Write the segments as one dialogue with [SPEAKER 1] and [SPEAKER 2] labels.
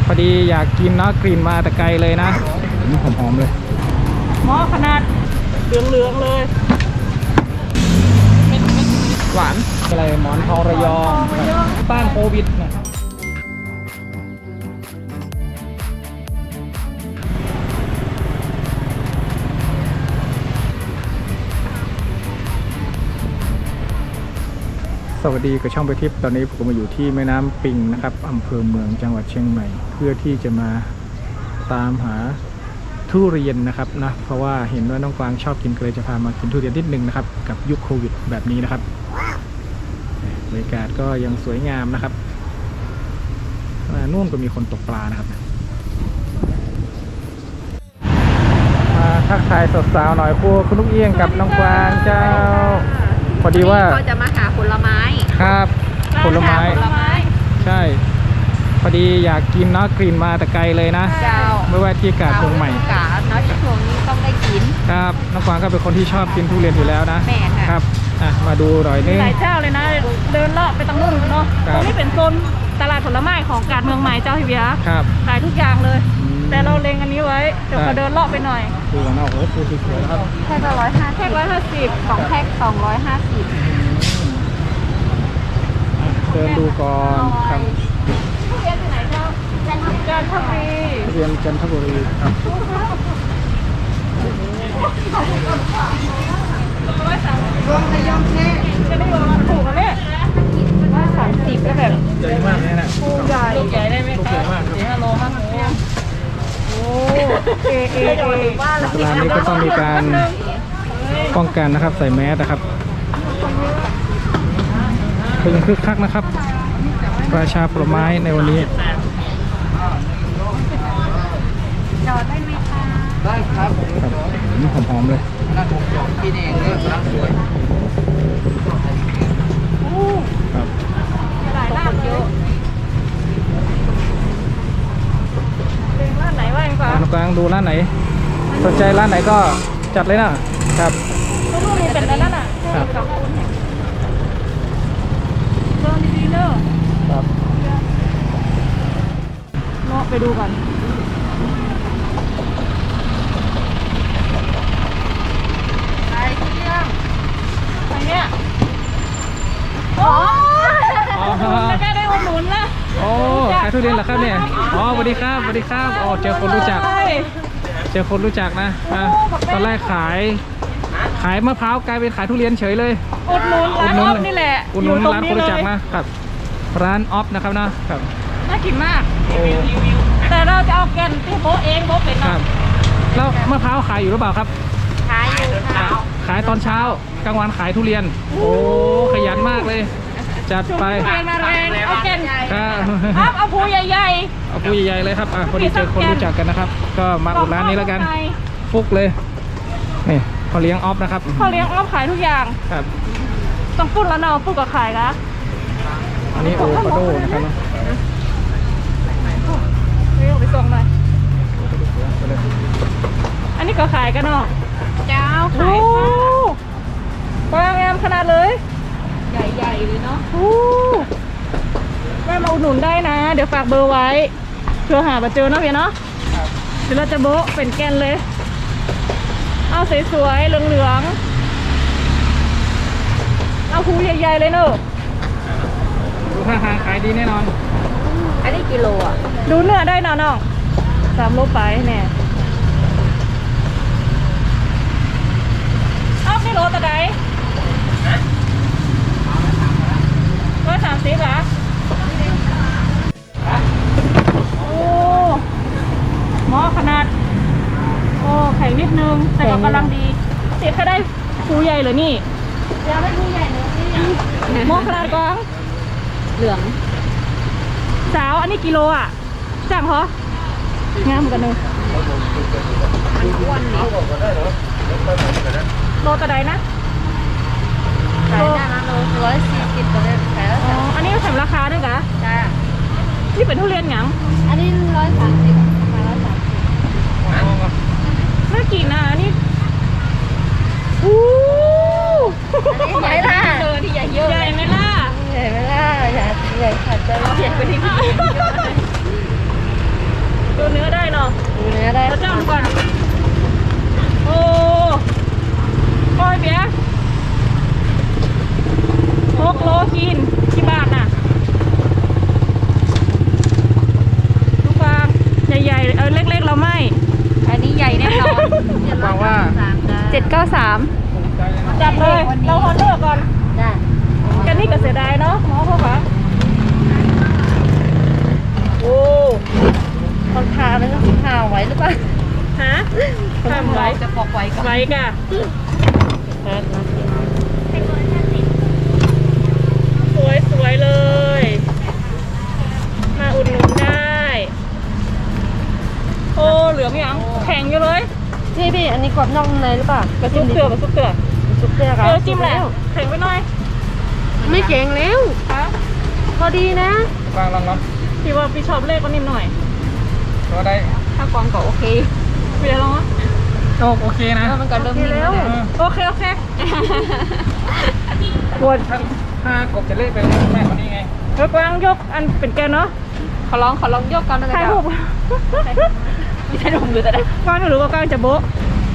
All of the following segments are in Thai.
[SPEAKER 1] อดีอยากกินเนาะกลิ่นมาแต่ไกลเลยนะหอมๆเลย
[SPEAKER 2] หม้อขนาดเหลืองๆเลย
[SPEAKER 1] หวานอะไรหมอนทองระยองต้านโควิดนะสวัสดีกับช่องไปทิพย์ตอนนี้ผมมาอยู่ที่แม่น้ำปิงนะครับอำเภอเมืองจังหวัดเชียงใหม่เพื่อที่จะมาตามหาทุเรียนนะครับนะเพราะว่าเห็นว่าน้องกวางชอบกินก็เลยจะพามากินทุเรียนนิดนึงนะครับกับยุคโควิดแบบนี้นะครับบรรยากาศก็ยังสวยงามนะครับนู่นก็มีคนตกปลานะครับมาทักทายสาวๆหน่อยคุณลูกเอี้ยงกับน้องกวางเจ้าพอดีว่า
[SPEAKER 3] ก็จะมาหาผลไม้
[SPEAKER 1] ครับผลไม้ใช่พอดีอยากกินเนาะกลิ่นมาแต่ไกลเลยนะไม่ว่าที่กาดเมืองใหม่
[SPEAKER 3] กาดเนาะช่วงนี้ต้องได้กิน
[SPEAKER 1] ครับน้องกวางก็เป็นคนที่ชอบกินทุเรียนอยู่แล้วนะ
[SPEAKER 3] แม่ค่ะ
[SPEAKER 1] ครับมาดูหน่อยนึง
[SPEAKER 2] หลายเจ้าเลยนะเดินเลาะไปตรงนู้นเนาะตรงนี้เป็นโซนตลาดผลไม้ของกาดเมืองใหม่เจ้าพี่เบียร์ขายทุกอย่างเลยแต่เราเล็งอันนี้ไว้เดี๋ยวเราเดินเลาะไปหน่อย
[SPEAKER 1] ดูกันนะโอ้โหดูสวยๆครับ
[SPEAKER 3] แพ็คละ150แพ็ค1502แพ็ค250
[SPEAKER 1] เดินดูก่อนครับ
[SPEAKER 2] ทุเรียนที่ไหนเจ้าจันทบุรี
[SPEAKER 1] ทุเรียนจันทบุรีครับ
[SPEAKER 2] รวมในยองแค่จะได้รวมถูกกันเนี่ย130ก็แบบ
[SPEAKER 1] ใหญ่มากเนี่ยนะ
[SPEAKER 2] ลูกใหญ่ได้ไหมครับ4-5 โลมากโอ้
[SPEAKER 1] ร้านนี้ก็ต้องมีการป้องกันนะครับใส่แมสนะครับเป็นคึกคักนะครับราชาผลไม้ในวันนี้
[SPEAKER 3] จอดได้ไหมคะ
[SPEAKER 1] ได้ครับหอมๆเลย
[SPEAKER 3] ร้านผมจอดที่นี่เองเลยร้านสวย
[SPEAKER 1] ครับ
[SPEAKER 2] หลายร้านเลยร้านไหนบ้างคะ
[SPEAKER 1] กลางดูร้านไหนสนใจร้านไหนก็จัดเลยนะครับ
[SPEAKER 2] ลูกนี้เป็นร้านน่ะ
[SPEAKER 1] ครับ
[SPEAKER 2] เดินดีๆเนอะ
[SPEAKER 1] ครับ
[SPEAKER 2] เนาะไปดูกัน
[SPEAKER 3] ไปทุเรียน
[SPEAKER 2] ไปเนี่ยโอ้แค่ได้อุดหนุนละ
[SPEAKER 1] โอ้ขายทุเรียนเหรอครับเนี่ยอ๋อสวัสดีครับสวัสดีครับอ๋อเจอคนรู้จักนะตอนแรกขายมะพร้าวกลายเป็นขายทุเรียนเฉยเลย
[SPEAKER 2] อุดหนุนร้านออฟนี่แหละ
[SPEAKER 1] อุดหนุนร้านคนรู้จักนะครับร้านออฟนะครับนะครับ
[SPEAKER 2] น่ากินมากแต่เราจะเอาแกนที่โบเองโบเป็น
[SPEAKER 1] ครับแล้วมะพร้าวขายอยู่หรือเปล่าครับ
[SPEAKER 3] ขายอยู่ค่ะ
[SPEAKER 1] ขายตอนเช้ากลางวันขายทุเรียนโอ้ขยันมากเลยจัดไป
[SPEAKER 2] มาแรงเอาแกน
[SPEAKER 1] ครับ
[SPEAKER 2] เอาภูใหญ่
[SPEAKER 1] เอาภูใหญ่เลยครับพอดีเจอคนรู้จักกันนะครับก็มาอุดร้านนี้แล้วกันฟุกเลยนี่เขาเลี้ยงออฟนะครับ
[SPEAKER 2] เขาเลี้ยงออฟขายทุกอย่าง
[SPEAKER 1] ครับ
[SPEAKER 2] ต้องพูดแล้วเนาะพูดกับขายนะ
[SPEAKER 1] อันนี้โอคาโดนะครับ
[SPEAKER 2] เรียกไปส่งหน่อยอันนี้ก็ขายกันเนาะ
[SPEAKER 3] เจ้าขาย
[SPEAKER 2] กว้างงามขนาดเลย
[SPEAKER 3] ใหญ่ๆเลยเนาะ
[SPEAKER 2] แม่มาอุดหนุนได้นะเดี๋ยวฝากเบอร์ไว้เพื่อหามาเจอเนาะพี่เนาะเดี๋ยวเราจะโบ๊ะเป็นแกนเลยเอาสวยๆเหลืองๆเอาภูใหญ่ๆเลยเนอะ
[SPEAKER 1] ดูท่าทางขายดีแน่นอน
[SPEAKER 3] อันนี้กิโลอ่ะ
[SPEAKER 2] ดูเนื้อได้เนาะน้อง3 โลไปเนี่ยเอาไม่โลแต่ใด130เหรอโอ้หม้อขนาดโอ้ไข่นิดนึงแต่ก็กำลังดีเสียแค่ได้ภูใหญ่เลยนี่
[SPEAKER 3] ยังไม่ภูใหญ่เลย
[SPEAKER 2] หม้อขนาดกอง
[SPEAKER 3] เหลือง
[SPEAKER 2] สาวอันนี้กิโลอ่ะจังเหรองามเหมือนกันเลย
[SPEAKER 3] มันอ้วนนี่
[SPEAKER 2] โลตะไดนะ
[SPEAKER 3] ขายได้นะโล140ตัวเลยขายแล้ว
[SPEAKER 2] อันนี้แถมราคาด้วยกะ
[SPEAKER 3] จ้า
[SPEAKER 2] นี่เป็นทุเรียนหยัง
[SPEAKER 3] อันนี้130มา130
[SPEAKER 2] น่ากินนะนี่อู้
[SPEAKER 3] ใหญ่ล่ะที่ใหญ่เยอะ
[SPEAKER 2] ใหญ่ไหมล่ะ
[SPEAKER 3] ใหญ่ขัดใจเราใหญ่กว่าที่พี่
[SPEAKER 2] ก่อนโอ้โอ้ยเบียร์6 โลกินกี่บาทน่ะลูกฟางใหญ่ๆเล็กๆเราไม่
[SPEAKER 3] อันนี้ใหญ่แน่นอน
[SPEAKER 1] หวังว่า
[SPEAKER 3] 793
[SPEAKER 2] จัดเลยเราฮอนเดอร์ก่อน
[SPEAKER 3] จ้ะ
[SPEAKER 2] กันนี่ก็เสียดายเนาะหมอพ่อคะโอ้
[SPEAKER 3] คนพาเลยก็พาไว้หรือเปล่า
[SPEAKER 2] ฮะทำไว้
[SPEAKER 3] จะปอกไว้ก่อน
[SPEAKER 2] ไว้กะสวยๆเลย มาอุดหนุนได้ โอ้เหลืองยังแข็งอยู่เลย
[SPEAKER 3] พี่อันนี้กรอบนอกในหรือเปล่าก
[SPEAKER 2] ระซุกเตือกระซุกเตือก
[SPEAKER 3] ซุปเปอร์ครับ
[SPEAKER 2] จิ้มแหละแข็งไปหน่อย
[SPEAKER 3] ไม่เก่งแล้ว
[SPEAKER 2] ฮะ
[SPEAKER 3] พอดีนะ
[SPEAKER 1] ฟางลอง
[SPEAKER 2] พี่ว่าพี่ชอบเลขก็นิ่มหน่อย
[SPEAKER 1] ก็ได้
[SPEAKER 3] ถ้ากรองก็โอเค
[SPEAKER 2] พี่จะลองอ่ะ
[SPEAKER 1] โอเคนะ
[SPEAKER 3] มันก็เริ่มนิ่มแล้วเนี่ย
[SPEAKER 2] โอเคปวด
[SPEAKER 1] ถ้ากบจะเล่เป็นแม่คนนี้ไง
[SPEAKER 2] กวางยกอันเป็นแกนเนาะ
[SPEAKER 3] ขอลองยกก่อนนะ
[SPEAKER 2] ถ่ายรูป
[SPEAKER 3] ไม่ใช่ถุงหรือแต่ได้
[SPEAKER 2] กวางไม่รู้ว่ากวางจะโบ๊ะ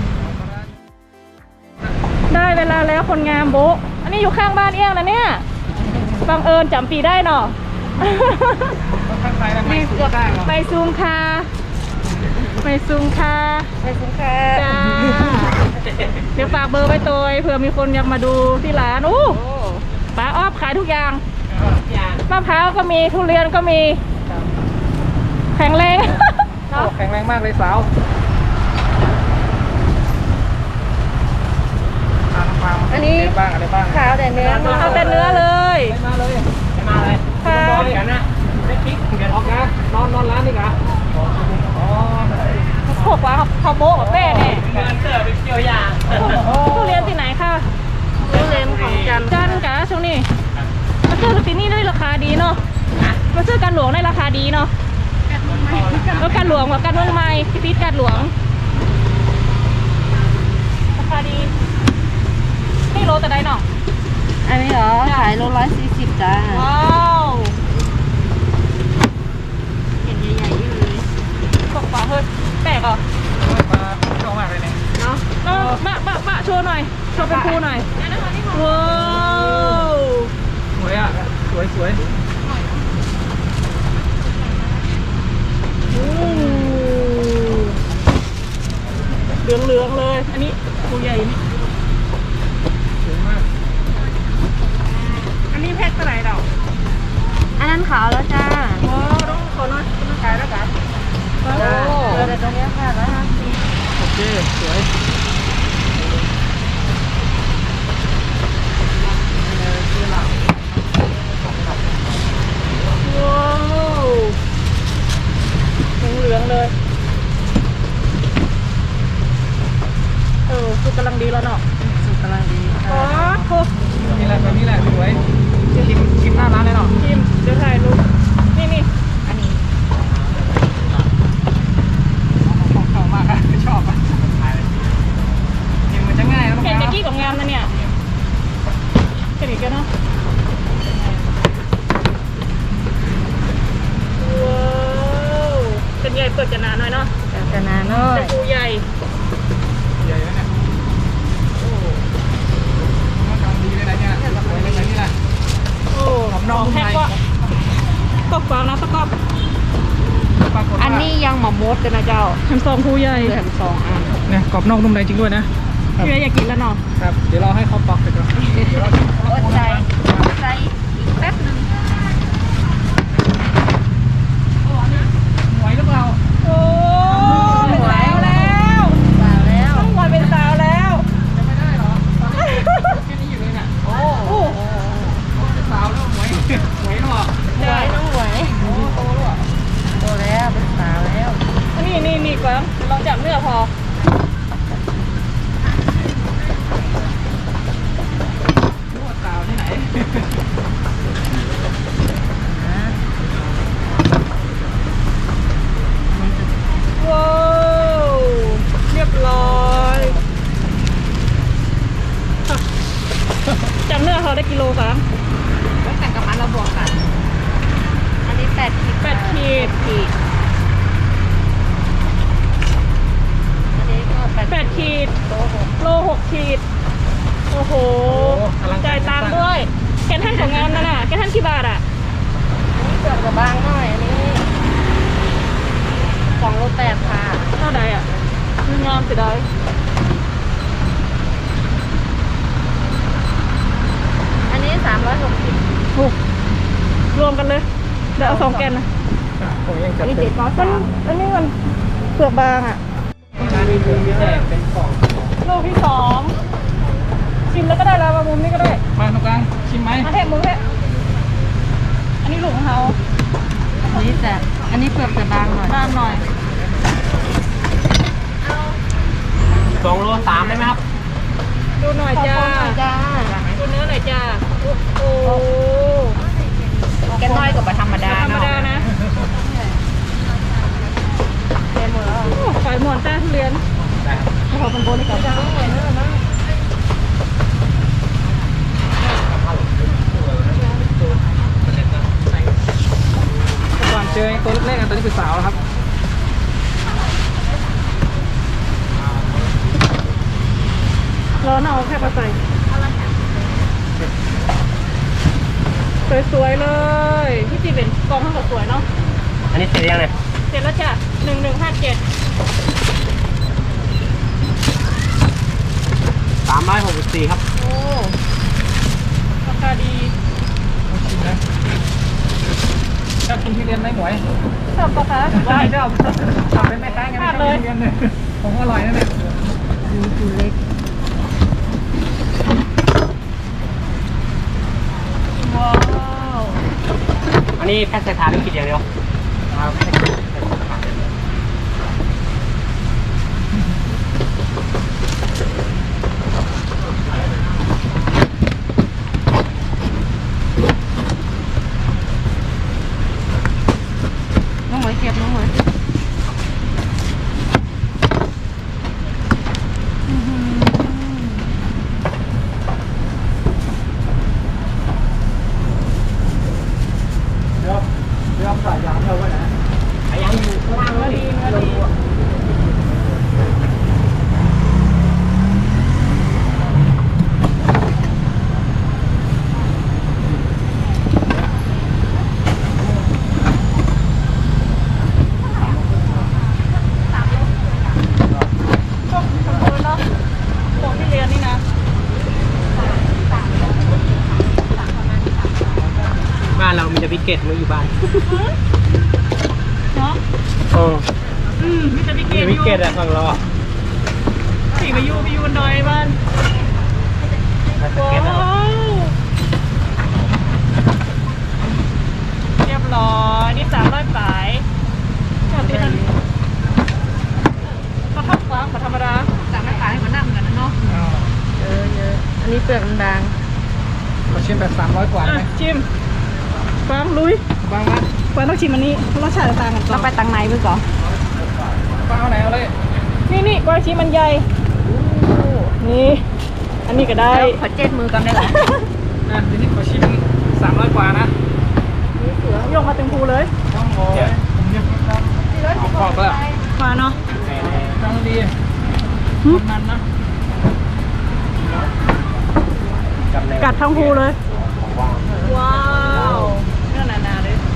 [SPEAKER 2] ได้เวลาแล้วคนงามโบ๊ะอันนี้อยู่ข้างบ้านเอี้ยงนะเนี่ยบังเอิญจำปีได้เนาะ
[SPEAKER 1] ข้างใครนะไม่สุดได้หรอ
[SPEAKER 2] ไปซูมค่ะไปซูมค่ะ
[SPEAKER 3] ไปคุ้มค่า
[SPEAKER 2] จ้าเดี๋ยวฝากเบอร์ไว้ตัวเผื่อมีคนอยากมาดูที่ร้านอู้ป้าอ้อขายทุกอย่างมะพร้าวก็มีทุเรียนก็มีแข็งแรง
[SPEAKER 1] แข็งแรงมากเลยสาว
[SPEAKER 3] อันนี้
[SPEAKER 1] บ้างอะไรบ้าง
[SPEAKER 3] ขาวแต่เนื้อ
[SPEAKER 2] เอาแต่เนื้อเลย
[SPEAKER 1] มาเลยค่ะบอยกันนะไม่พลิกเดี๋ยวออกนะนอนร้านนี่กะอ๋อ
[SPEAKER 2] พวกว่าเขาโบ๊ะกับแป้เนี่ย
[SPEAKER 1] เงินเตอร์ไปเกี่ยวยา
[SPEAKER 2] ทุเรียนที่ไหนค่ะ
[SPEAKER 3] ทุเรียนของจันทร์
[SPEAKER 2] จันกะช่วงนี้มาซื้อที่นี่ได้ราคาดีเนาะมาซื้อกันหลวงได้ราคาดีเนาะแล้วกันหลวงกับกันเมืองใหม่พี่พีทกันหลวงราคาดีนี่โลแต่ใดเนาะ
[SPEAKER 3] อันนี้เหรอขายโล140จ้า
[SPEAKER 2] ว้าว
[SPEAKER 3] เห็นใหญ่ๆอยู่เลย
[SPEAKER 2] ตกปลาเฮ้ยแปลกเหรอ
[SPEAKER 1] มาชอบมากเลยเนี่ย
[SPEAKER 3] เนาะ
[SPEAKER 2] บะโชว์หน่อยโชว์เป็นครูหน่อยว้าว
[SPEAKER 1] สวยอ่ะสวย
[SPEAKER 2] เหลืองๆเลยอันนี้ครูใหญ่นี่
[SPEAKER 1] สวยมาก
[SPEAKER 2] อันนี้แพ็คเท่าไหร่เรา
[SPEAKER 3] อันนั้นขาวแล้วจ้า
[SPEAKER 2] อ๋อต้องขอหน่อยต้องขายแล้วกัน
[SPEAKER 3] จ้าเหลือแต่ตัวเนี้ยค่ะ150
[SPEAKER 1] โอเคสวย
[SPEAKER 2] ว้าวเหลืองๆเลยสุกกำลังดีแล้วเนาะ
[SPEAKER 3] สุกกำลังดี
[SPEAKER 2] อ๋อ
[SPEAKER 3] ค่ะ
[SPEAKER 2] โค
[SPEAKER 1] นี่แหละแบบนี้แหละสวยชิมหน้าร้านเลยเนาะ
[SPEAKER 2] ทีมเดี๋ยวถ่ายรูปนี่
[SPEAKER 3] อันนี้
[SPEAKER 1] ของเขามากอะชอบอ่ะกินมันจะง่ายนะ
[SPEAKER 2] เห็นตะกี้ของงามนะเนี่ยเห็นอีกแล้วเนาะว้าวเป็นใหญ่เปิดจะนานหน่อยเนาะ
[SPEAKER 3] จะนานหน่อ
[SPEAKER 2] เป็
[SPEAKER 3] ย
[SPEAKER 2] นปูใหญ่
[SPEAKER 1] ใหญ่แล้วเนี่ยโอ้มันกำลังดีเลยนะเนี่ยสวยเลยนะนี่แหละ
[SPEAKER 2] โอ้
[SPEAKER 1] ของน้อง
[SPEAKER 2] แพ็คก็ตกฟางนะตะกอบ
[SPEAKER 1] ปรากฏว่า
[SPEAKER 3] อันนี้ยังหมอมดกันนะเจ้า
[SPEAKER 2] แฮมซองปูใหญ่
[SPEAKER 3] เหลือ2 อัน
[SPEAKER 1] เนี่ยกรอบนอกนุ่มในจริงด้วยนะ
[SPEAKER 2] พี่อยากกินแล้วเนาะ
[SPEAKER 1] ครับเดี๋ยวเราให้เขาปอกไปก่อนเดี๋ยวเรา
[SPEAKER 3] อดใจอีกแป๊บนึง
[SPEAKER 1] ไหวหรือเปล่า
[SPEAKER 2] โอ้เป็นสาวแล้ว
[SPEAKER 3] สาวแล้ว
[SPEAKER 2] ต้องวันเป็นสาวแล้ว
[SPEAKER 1] จะไม่ได้เหรอแค่นี้อยู่เลยเนี่ยโอ้
[SPEAKER 2] โอ้
[SPEAKER 1] สาวแล้วไหวหรอ
[SPEAKER 3] หวยน้องหวย
[SPEAKER 1] โอ้โตแล้วอ่ะ
[SPEAKER 3] โตแล้วเป็นสาวแล้ว
[SPEAKER 2] นี่ก่อนลองจับเนื้อพอ
[SPEAKER 1] สาวที่ไหน
[SPEAKER 2] ว้าวเรียบร้อยจับเนื้อเขาได้กิโลครับ
[SPEAKER 3] ต้องแต่งกับอันเราบวกกันอันนี้8 ขีด
[SPEAKER 2] 8 ขีด
[SPEAKER 3] ขีดจะบางหน่อยอันนี้2.8 ค่ะ
[SPEAKER 2] เท่าใดอ่ะมีงามเสียดาย
[SPEAKER 3] อันนี้360
[SPEAKER 2] ถูกรวมกันเลยเดี๋ยวเอา2 แกนนะ
[SPEAKER 1] ผมยังจัด
[SPEAKER 3] นี่
[SPEAKER 1] เต็ม
[SPEAKER 3] 703
[SPEAKER 2] อันนี้มันเปลือกบางอ่ะ
[SPEAKER 1] มีมุมพิเศษเป็นกล่อง
[SPEAKER 2] ลูกที่2ชิมแล้วก็ได้แล้วมามุมนี้ก็ได้
[SPEAKER 1] มาตรงกลางชิมไหม
[SPEAKER 2] มาแทะมุมแทะอันนี้ลูกของเขา
[SPEAKER 3] อันนี้เปลือกจะบางหน่อย
[SPEAKER 2] บางหน่อย
[SPEAKER 1] 2.3 ได้ไหมครับ
[SPEAKER 2] ดูหน่อยจ้า
[SPEAKER 3] จ้า
[SPEAKER 2] ดูเนื้อหน่อยจ้าโอ้โห
[SPEAKER 3] แกน้อยกว่าธรรมดา
[SPEAKER 2] ธรรมดานะ
[SPEAKER 3] เต็มหมดแล้ว
[SPEAKER 2] โอ้ฝ่ายหมอนต้าทุเรียน
[SPEAKER 1] ได้ครับ
[SPEAKER 2] ขอเป็นโบนให้กับจ้า
[SPEAKER 1] ก่อนเจอตัวเล็กๆกันตัวนี้คือสาวแล้วครับ
[SPEAKER 2] ร้อนเอาแค่มาใส่สวยๆเลยพี่จีเป็นกองข้างกับสวยเนาะ
[SPEAKER 1] อันนี้เสร็จยังเนี่ย
[SPEAKER 2] เสร็จแล้วจ้ะ1157
[SPEAKER 1] 364ครับ
[SPEAKER 2] โอ้ราคาดี
[SPEAKER 1] ชิมนะชอบกินทุเรียนไหมหมวย
[SPEAKER 2] ชอบปะคะ
[SPEAKER 1] ได้ชอบเป็นแม่ค้าไงชอบกินทุเรียนเนี่ยของอร่อยนะเนี่ย
[SPEAKER 3] ดูเล็ก
[SPEAKER 2] ว้าว
[SPEAKER 1] อันนี้แพ็คใส่ถาดหรือกินอย่างเดียวครับ
[SPEAKER 3] น้องหมวยเก็บน้องหมวย
[SPEAKER 1] เดี๋ยวใส่ยางเท่าไว้นะยางอยู่ข้างล่าง
[SPEAKER 2] เนื้อดีเนื้อดีพวกขโมยเนาะของที่เรียนนี่นะ
[SPEAKER 1] บ้านเรามีแต่พิเกตมาอยู่บ้าน
[SPEAKER 2] เนาะ
[SPEAKER 1] โอ้
[SPEAKER 2] มีแต่พี่เก
[SPEAKER 1] มี
[SPEAKER 2] ด
[SPEAKER 1] พิเกตอะฝั่งเราอะ
[SPEAKER 2] สี่มาอยู่บนดอยบ้านว้าวเรียบร้อยนี่300 ปลายจอดที่นั่นก็ทับฟ้างธรรมดา
[SPEAKER 3] สั่งไม่ขายให้มันนั่งกันนะเนาะเยอะอันนี้เปลือกมันบาง
[SPEAKER 1] มาชิมแบบ300 กว่าได้ไหม
[SPEAKER 2] ชิมฟังลุย
[SPEAKER 1] บ้างไหม
[SPEAKER 2] ฟังต้องชิมอันนี้รสชาติต่างกันก่
[SPEAKER 3] ต้
[SPEAKER 2] อ
[SPEAKER 3] อน งไปตังในเพื่อก่อน
[SPEAKER 1] บ้างเอาไหนเอาเลย
[SPEAKER 2] นี่กวางชิมมันใหญ่นี่อันนี้ก็ได้
[SPEAKER 3] ขอเจ็ดมือกันได้หรอ
[SPEAKER 1] นะทีนี้ขอชิม300 กว่านะ
[SPEAKER 2] ยกมาเต็มภูเลย
[SPEAKER 1] ต้องโอ้ยผมยังขอบแล้ว
[SPEAKER 2] มาเนาะ
[SPEAKER 1] ตั้งดีมันนะ
[SPEAKER 2] กัดทั้งภูเลยว้าวเนื้อหนาๆเลย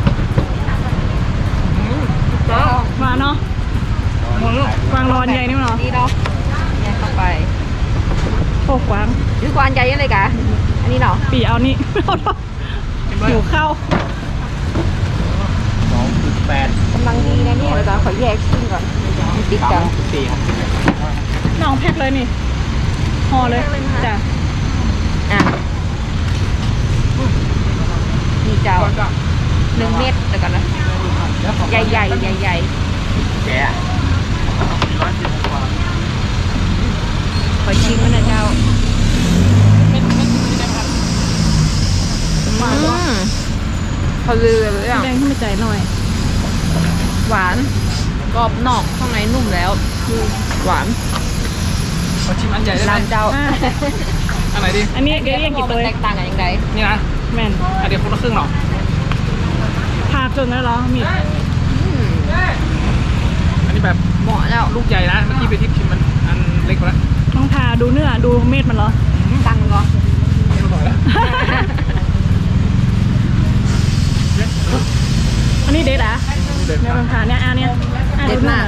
[SPEAKER 2] มาเนาะกวางรอนใหญ่นี่มั้งเนาะ
[SPEAKER 3] นี่เนาะเนี่ยเข้าไป
[SPEAKER 2] โอ้กวาง
[SPEAKER 3] ซื้อกวานใหญ่ยังไงกะอันนี้เนาะ
[SPEAKER 2] ปีเอานี่ หิวข้าว
[SPEAKER 1] 2.8
[SPEAKER 3] กำลังดีนะเนี่ยเดี๋ยวขอแยกชิ้นก่อนมันติดกัน
[SPEAKER 1] 4ครับ
[SPEAKER 2] น้องแพ็คเลยนี่ห่อเลยจ้ะ
[SPEAKER 3] อ่ะนี่เจ้า1 เม็ดเดี๋ยวก่อนนะใหญ่ใหญ่
[SPEAKER 1] แกะ
[SPEAKER 3] ขอชิมมันนะเจ้าพอลือเลยอ่ะ
[SPEAKER 2] แดงขึ้นมาใจหน่อย
[SPEAKER 3] หวานกรอบนอกข้างในนุ่มแล้วหวาน
[SPEAKER 1] ขอชิมอันใหญ่ได้ไหม
[SPEAKER 3] ร้านเจ้า
[SPEAKER 2] อ่ะ
[SPEAKER 1] อันไหนดี
[SPEAKER 2] อันนี้เดี๋ยวเรียกกี่ตัว
[SPEAKER 3] แตกต่างกันยังไง
[SPEAKER 1] นี่นะ
[SPEAKER 2] แม่น
[SPEAKER 1] อันเดียวคนละครึ่งหรอ
[SPEAKER 2] พาเกินแล้วเหรอมี
[SPEAKER 1] อันนี้แบบ
[SPEAKER 3] เหมาะแล้ว
[SPEAKER 1] ลูกใหญ่นะเมื่อกี้ไปทิพชิมมันอันเล็กกว่าแล้ว
[SPEAKER 2] ต้องทาดูเนื้อดูเม็ดมันเหรอ
[SPEAKER 3] ตังก็
[SPEAKER 1] ไม่รู้หน่อยแล้ว
[SPEAKER 2] นี้เด็ดอ่ะ
[SPEAKER 1] เด็ด
[SPEAKER 2] เนี่ยมันผ่านเนี่ยอันเนี้ยเด็ดมาก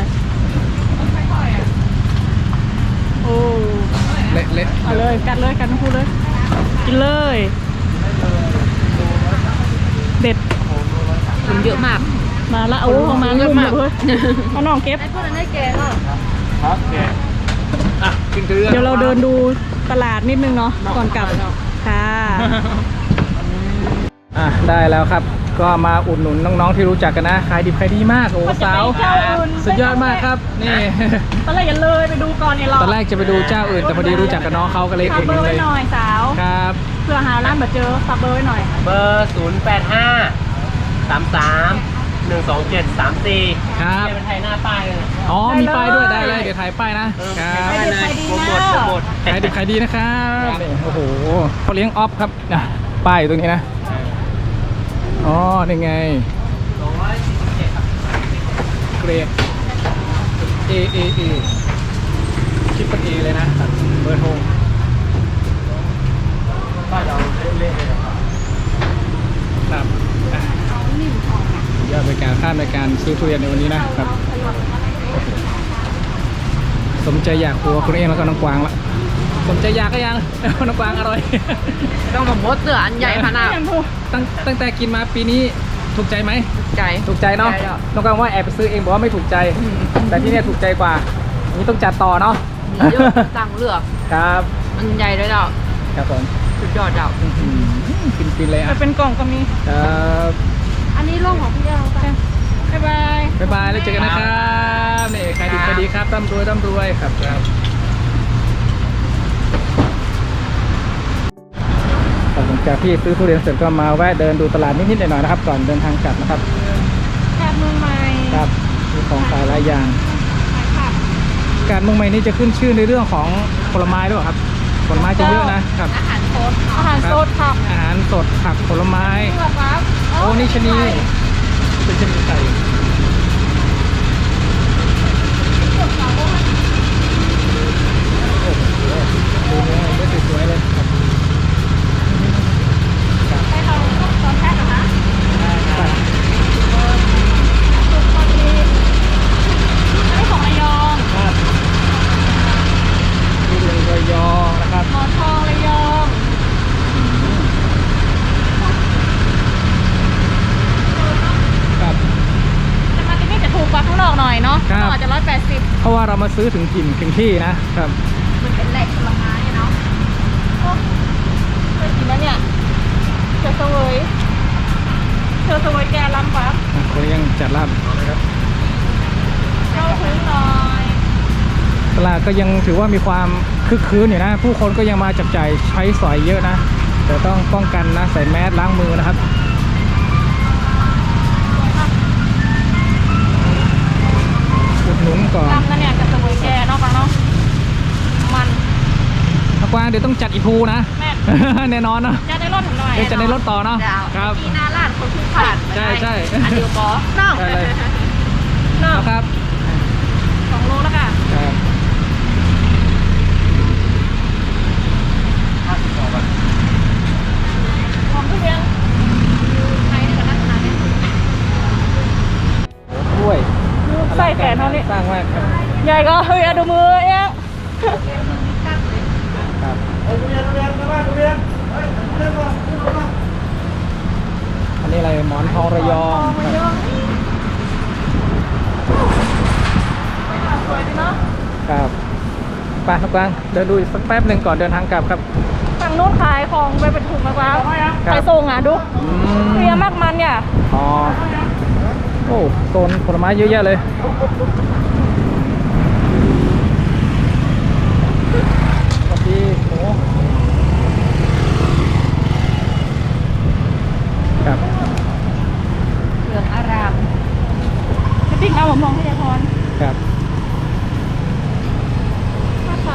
[SPEAKER 2] โอ้
[SPEAKER 1] เละเละ
[SPEAKER 2] เอาเลยกัดเลยกัดทั้งคู่เลยกินเลยเด็ด
[SPEAKER 3] มันเยอะมาก
[SPEAKER 2] มาละโอ้ประมาณลุ่มเลยเอาน้องเก็บ
[SPEAKER 3] พวกนั้นได้แกงอ่ะ
[SPEAKER 1] ครับแกอ่ะกินเกลือ
[SPEAKER 2] เดี๋ยวเราเดินดูตลาดนิดนึงเนาะก่อนกลับค่ะ
[SPEAKER 1] อ่ะได้แล้วครับ ก็มาอุดหนุนน้องๆที่รู้จักกันนะขายดิบขายดีมากโอ้สาว
[SPEAKER 2] เจ้าอื่น
[SPEAKER 1] สุดยอดมากครับนี่
[SPEAKER 2] ตอนแรกอย่าเลยไปดูก่อนเนี่ยรอ
[SPEAKER 1] ตอนแรกจะไปดูเจ้าอื่นแต่พอดีรู้จักกับน้องเขาก็เลย
[SPEAKER 2] ฝาก
[SPEAKER 1] อุด
[SPEAKER 2] เบ
[SPEAKER 1] ห
[SPEAKER 2] อ
[SPEAKER 1] นุน
[SPEAKER 2] ร์
[SPEAKER 1] เล
[SPEAKER 2] ไว้
[SPEAKER 1] ย
[SPEAKER 2] หน่อยสาว
[SPEAKER 1] ครับ
[SPEAKER 2] เพื่อหาร้านแบบเจอฝากเบอร์ไว้หน่อย
[SPEAKER 4] เบอร์ 085 33 127 34
[SPEAKER 1] ครับ
[SPEAKER 4] เป็นไทยหน้าป้ายเลยนะ
[SPEAKER 1] อ๋อมีป้ายด้วยได้เลยเดี๋ยวถ่ายป้ายนะครั
[SPEAKER 4] ป้า
[SPEAKER 1] บ
[SPEAKER 4] ยเลยโปรโมทโปรโมท
[SPEAKER 1] ขายดิบขายดีนะครับนี่โอ้โหเขาเลี้ยงออฟครับนะป้ายอยู่ตรงนี้นะอ๋อนี่ไง
[SPEAKER 4] 247ครับ
[SPEAKER 1] เกรด A A A ชิปเป็น A เลยนะเบอร์โทร
[SPEAKER 4] ป้ายเราเล่นๆเลยนะครับ
[SPEAKER 1] ครับอ่ะยอดบริการค่าในการซื้อทุเรียนในวันนี้นะครับ สมใจอยากครัวคุณเองแล้วก็น้องกวางละสมใจอยากก็ยัง น้องกวางอร่อย
[SPEAKER 3] ต้องมาบดเสืออันใหญ่ขนาด
[SPEAKER 1] ตั้งแต่กินมาปีนี้ถูกใจไหม
[SPEAKER 3] ใจ
[SPEAKER 1] ถูกใจเนาะ
[SPEAKER 3] ถูกใจแล้ว
[SPEAKER 1] น้องกวางว่าแอบไปซื้อเองบอกว่าไม่ถูกใจ แต่ที่เนี่ยถูกใจกว่านี่ต้องจัดต่อเนาะ
[SPEAKER 3] มีเยอะสั่งเลือก
[SPEAKER 1] ครับ
[SPEAKER 3] มันใหญ่ด้วยเจ้า
[SPEAKER 1] ครับผม
[SPEAKER 3] สุดยอดเจ้า
[SPEAKER 1] กินเลย
[SPEAKER 2] จะ
[SPEAKER 1] อ่ะ
[SPEAKER 2] เป็นกล่องก็มี
[SPEAKER 1] ครับ
[SPEAKER 3] อันนี้ร่องของพี่เอลไป
[SPEAKER 2] บ๊ายบาย
[SPEAKER 1] บ๊ายบายแล้วเจอกันนะครับนี่ขายดีขายดีครับร่ำรวยครับครับหลังจากที่ซื้อทุเรียนเสร็จก็มาแวะเดินดูตลาดนิดๆหน่อยๆนะครับก่อนเดินทางกลับนะครับ
[SPEAKER 2] แค่เมืองใหม่
[SPEAKER 1] ครับมีของขายหลายอย่าง
[SPEAKER 2] ขายผัก
[SPEAKER 1] การเมืองใหม่นี้จะขึ้นชื่อในเรื่องของผลไม้ด้วยเหรอครับผลไม้จะเยอะนะครับ
[SPEAKER 3] อาหารโค้ด
[SPEAKER 2] อาหารสดผัก
[SPEAKER 1] อาหารสดผักผลไม้
[SPEAKER 2] เลือกครับ
[SPEAKER 1] โอ้นี่ชะนีเป็นชะนีไก่โอ้โหดูเนื้อเนื้อสวยๆเลยครับ
[SPEAKER 2] ให้เราตอนแพ็คนะ
[SPEAKER 1] ครับ
[SPEAKER 2] สุกพอดีอันนี้ของระยอง
[SPEAKER 1] ครับทุเรียนระยองนะครับ
[SPEAKER 2] หมอนทองระยอง
[SPEAKER 1] ครับ
[SPEAKER 2] แต่มาที่นี่จะถูกกว่าข้างนอกหน่อยเนาะ
[SPEAKER 1] ครับ
[SPEAKER 2] ข้างนอกอาจจะ180
[SPEAKER 1] เพราะว่าเรามาซื้อถึงถิ่นถึงที่นะครับ
[SPEAKER 3] มันเป็นแหล่งผลไม้เนาะ
[SPEAKER 2] โอ้เคยกินแล้วเนี่ยเธอเสวยแกล้ำกว่า
[SPEAKER 1] คนยังจัดร้านนะครับ
[SPEAKER 2] เข้าถึงหน่อย
[SPEAKER 1] ตลาดก็ยังถือว่ามีความคึกคืนอยู่นะ ผู้คนก็ยังมาจับจ่ายใช้สอยเยอะนะ แต่ต้องป้องกันนะใส่แมสล้างมือนะครับอุดหนุนก่อน
[SPEAKER 2] ลำนั่นเนี่ยกับเสวยแกเนาะปังเนาะมัน
[SPEAKER 1] ถ้ากว้างเดี๋ยวต้องจัดอีกภูนะ
[SPEAKER 2] แม่
[SPEAKER 1] แน่นอนเนาะ
[SPEAKER 2] จะได้รถถึงหน่อย
[SPEAKER 1] เดี๋ยวจะในรถต่อเนาะ
[SPEAKER 3] เจ้า
[SPEAKER 1] ครับ
[SPEAKER 3] ที่หน้าร้านคนทุกผ่าน
[SPEAKER 1] ใช่ใช่
[SPEAKER 3] อันเดียวบอเนาะ
[SPEAKER 1] ได้เลย
[SPEAKER 2] เนาะ
[SPEAKER 1] ครับ
[SPEAKER 2] 2 โลแล้วค่ะ
[SPEAKER 1] ครับ
[SPEAKER 2] ของทุเรียน
[SPEAKER 3] ใครเนี่ยก็ลักษณะนี้
[SPEAKER 1] ถ้วย
[SPEAKER 2] ใส่แขนเท่านี้
[SPEAKER 1] สร้างมากครับ
[SPEAKER 2] ใหญ่ก็เฮ้ยดูมือเอ๊ะ
[SPEAKER 1] ครับอันนี้อะไรหมอนทองระยอง
[SPEAKER 2] มันเยอะสวยดีเนาะ
[SPEAKER 1] ครับไปครับกวางเดินดูอีกสักแป๊บหนึ่งก่อนเดินทางกลับครับ
[SPEAKER 2] ฝั่งนู้นขายของไปเป็นถุงมะพร้าว
[SPEAKER 1] ครับ
[SPEAKER 2] ขายส่งอ่ะดู
[SPEAKER 1] อืม
[SPEAKER 2] เคลียร์มากมันเนี่ย
[SPEAKER 1] อ๋อโอ้โซนผลไม้เยอะแยะเลยสวัสดีหมูครับ
[SPEAKER 3] เหลืองอาราม
[SPEAKER 2] จะปิ้งเอาผมมองที่ยายพร
[SPEAKER 1] ครับ
[SPEAKER 2] มาใส่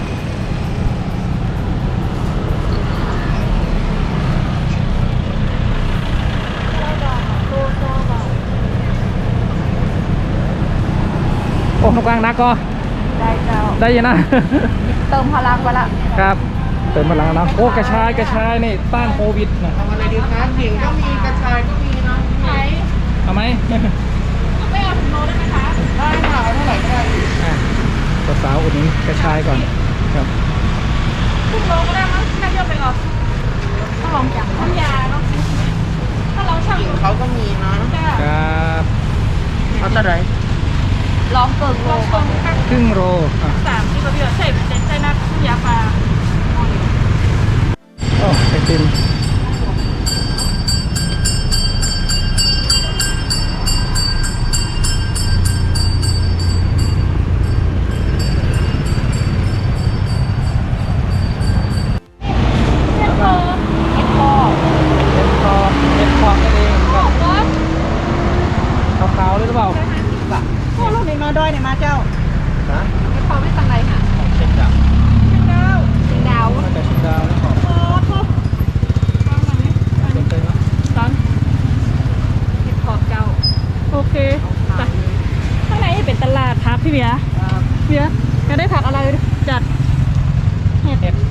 [SPEAKER 1] โอ้น้องกวางนักก็
[SPEAKER 3] ได้เจ้า
[SPEAKER 1] ได้อยังนะ
[SPEAKER 3] เติมพลังไปละ
[SPEAKER 1] ครับเติมพลังนะโอ้กระชายนี่ต้านโควิดนะ
[SPEAKER 4] ทำอะไรดีครับขิงก็มีกระชายก็มีเนาะ
[SPEAKER 2] ไหน
[SPEAKER 1] คเอาไหม
[SPEAKER 2] ไม่เอาถุงโลได้ไหมคะ
[SPEAKER 3] ได้ค่ะเอาเท่าไหร่ก็ได้
[SPEAKER 1] สาวๆอุดหนุนกระชายก่อนครับ
[SPEAKER 2] ถุงโลก็ได้มั้งน่าเยอะไปหรอต้องลองจังน้ำยาเนาะถ้าเราช่าง
[SPEAKER 3] กินเขาก็มีนะ
[SPEAKER 2] จ้า
[SPEAKER 1] ครับ
[SPEAKER 3] เอาเท่าไหร่ลองเกินโล
[SPEAKER 2] ลอง
[SPEAKER 3] ก่อน
[SPEAKER 1] ครึ่งโลอ่ะ
[SPEAKER 2] 3ที่เราเดือดใส่น้ำยาปลา
[SPEAKER 1] โอ้ไอติมเห็ดพอเห็ดพอนั่นเองครับขาวๆเลยหรือเปล่า
[SPEAKER 2] โอ้ลูกนี่มาดอยเนี่ยมาเจ้า
[SPEAKER 1] ฮะ
[SPEAKER 3] ไม่พอไม่ตังไรค่ะ
[SPEAKER 1] เช็คดับ
[SPEAKER 2] เจ้า
[SPEAKER 3] สิงดาว
[SPEAKER 1] น่าจะชิมดาวแล้วขอบ
[SPEAKER 2] โอ้โหฟังหน่อยไหม
[SPEAKER 1] สนใจไหม
[SPEAKER 2] ตอน
[SPEAKER 3] เห็ดขอบเจ้า
[SPEAKER 2] โอเคไปข้างในเป็นตลาดพักพี่เบียร์เบียร์จะได้ผักอะไรจัดเห็ด
[SPEAKER 1] เห็ด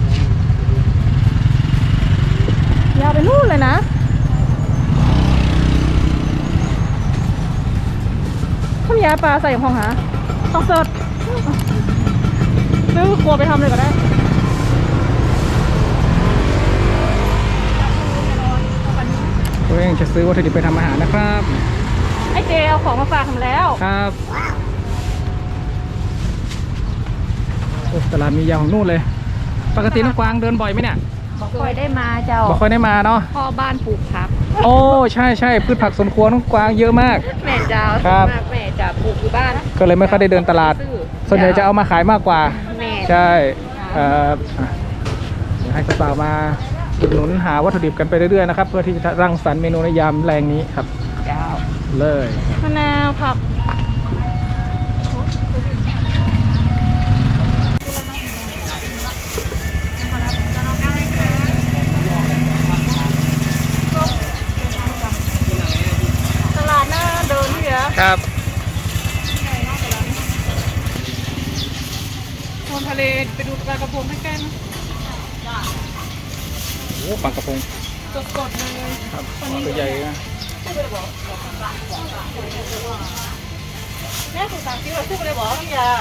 [SPEAKER 2] ยาวไปนู่นเลยนะข้าวยาปลาใส่ของหาต้องสดซื้อครัวไปทำเลยก็ได้
[SPEAKER 1] ตัวเองจะซื้อวัตถุดิบไปทำอาหารนะครับ
[SPEAKER 2] ไอเจเอาของมาฝากทำแล้ว
[SPEAKER 1] ครับโอ้ตลาดมียาวของนู่นเลย ปกติน้องกวางเดินบ่อยไหมเนี่ย
[SPEAKER 3] คอยได้มาเจ้า
[SPEAKER 1] บ่ค่อยได้มาเนาะ
[SPEAKER 3] พ่อบ้านปลูกผัก
[SPEAKER 1] โอ้ใช่ใช่พืชผักสวนครัวน้องกวางเยอะมาก
[SPEAKER 3] แม่เจ้า
[SPEAKER 1] ครับ
[SPEAKER 3] มากแม่จะปลูกอยู่บ้าน
[SPEAKER 1] ก็เลยไม่ค่อยได้เดินตลาด ส่วนใหญ่จะเอามาขายมากกว่า
[SPEAKER 3] แม่
[SPEAKER 1] ใช่ครับอ่ะเดี๋ยวให้กระเป๋ามาอุดหนุนหาวัตถุดิบกันไปเรื่อยๆนะครับ เพื่อที่จะรังสรรค์เมนูในยามแรงนี้ครับ
[SPEAKER 3] เจ้า
[SPEAKER 1] เลย
[SPEAKER 2] มะนาวผักตลาดหน้าเดินพี่เบียร์
[SPEAKER 1] ครับ
[SPEAKER 2] โซนทะเลไปดูปลากระพงใกล้ๆนะ
[SPEAKER 1] โอ้ปลากระพง
[SPEAKER 2] สดๆเลย
[SPEAKER 1] ครับตัวใหญ่นะ
[SPEAKER 2] แม่ถูกสั่งซื้อซื้อไปเลยบอกน้ำยา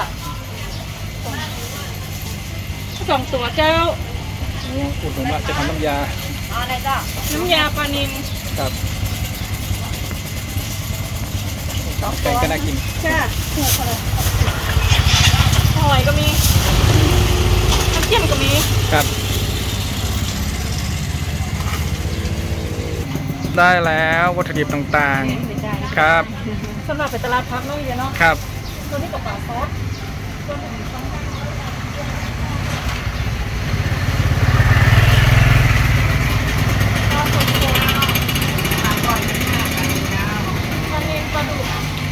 [SPEAKER 2] 2 ตัวเจ้า
[SPEAKER 1] อุดหนุนว่าจะทำน้ำยา
[SPEAKER 3] เอาไหนเจ้า
[SPEAKER 2] น้ำยาปลานิล
[SPEAKER 1] ครับแกงก็น่ากิน
[SPEAKER 2] ใช่ถูกเลยหอยก็มีน้ำเจียมก็มี
[SPEAKER 1] ครับ ได้แล้ววัตถุดิบต่างๆ ครับ
[SPEAKER 2] สำหรับไปตลาดพักเนาะพี่เนาะ
[SPEAKER 1] ครับ
[SPEAKER 2] ตัวนี้กับปลาซอสตัวนี้กับปลาสดๆปลาก่อยปลาเนนปลาดุก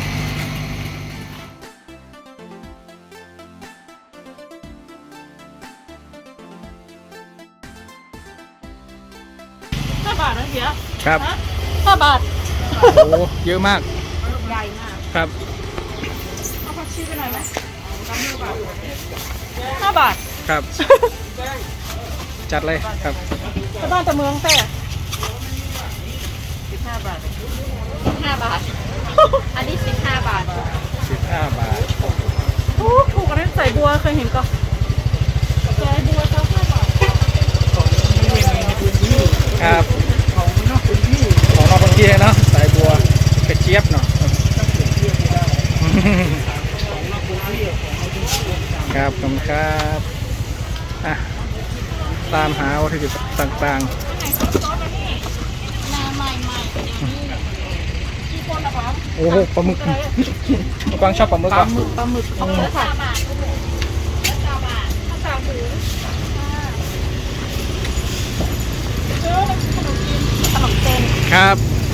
[SPEAKER 2] 5 บาทนะเฮีย
[SPEAKER 1] ครับ
[SPEAKER 2] ฮะ5 บาท
[SPEAKER 1] โอ้เยอะมาก
[SPEAKER 3] ใหญ่มาก
[SPEAKER 1] ครับ
[SPEAKER 2] เอาผักชีไปหน่อยไหม5 บาท
[SPEAKER 1] ครับ จัดเลยครับ
[SPEAKER 2] ไปบ้านแต่เมืองแต่
[SPEAKER 3] 15 บาท 15 บาท อันนี้ 15 บาท
[SPEAKER 1] 15 บาท
[SPEAKER 2] โอ้ถูกกันนั้นใส่บัวเคยเห็นก็ใส่บัวเท่า5 บาท
[SPEAKER 1] ครับของนอกพื้นที่เนาะสายบัวกระเจี๊ยบเนาะครับขอบคุณครับอ่ะตามหาวัตถุดิบต่างๆ
[SPEAKER 2] นาใหม่ๆเป็นอย่างนี้ที่คนละครับ
[SPEAKER 1] โอ้โหปลาหมึกกวางชอบปลาหมึก
[SPEAKER 2] ป
[SPEAKER 1] อ่ะ
[SPEAKER 2] ลาหมึกของเนื้อค่ะ3 ถุงเออมันขนมจีนขนมเส้น
[SPEAKER 1] ครับ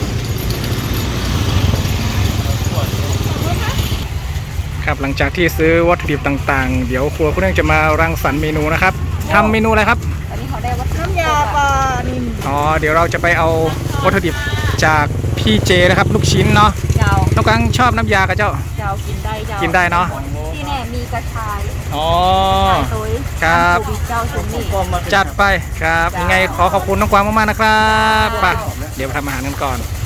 [SPEAKER 1] ครับหลังจากที่ซื้อวัตถุดิบต่างๆ เดี๋ยวครัวคุณเองจะมารังสรรค์เมนูนะครับทำเมนูอะไรครับ
[SPEAKER 3] อันนี้เขาได้วัตถุ
[SPEAKER 2] น้ำยาปลานิล
[SPEAKER 1] อ๋อเดี๋ยวเราจะไปเอาวัตถุดิบจากพี่เจนะครับ ลูกชิ้นเนาะ
[SPEAKER 3] เจ้า
[SPEAKER 1] น้องกังชอบน้ำยากับเจ้า
[SPEAKER 3] เจ้ากินได้เจ้า
[SPEAKER 1] กินได้เนาะ
[SPEAKER 3] ที่แน่มีกระชาย
[SPEAKER 1] อ๋อ
[SPEAKER 3] ตัว
[SPEAKER 1] ครับ
[SPEAKER 3] เจ้าชุมนี่
[SPEAKER 1] จัดไปครับยังไงขอขอบคุณน้องกวางมากๆนะครับไปเดี๋ยวไปทำอาหารกันก่อน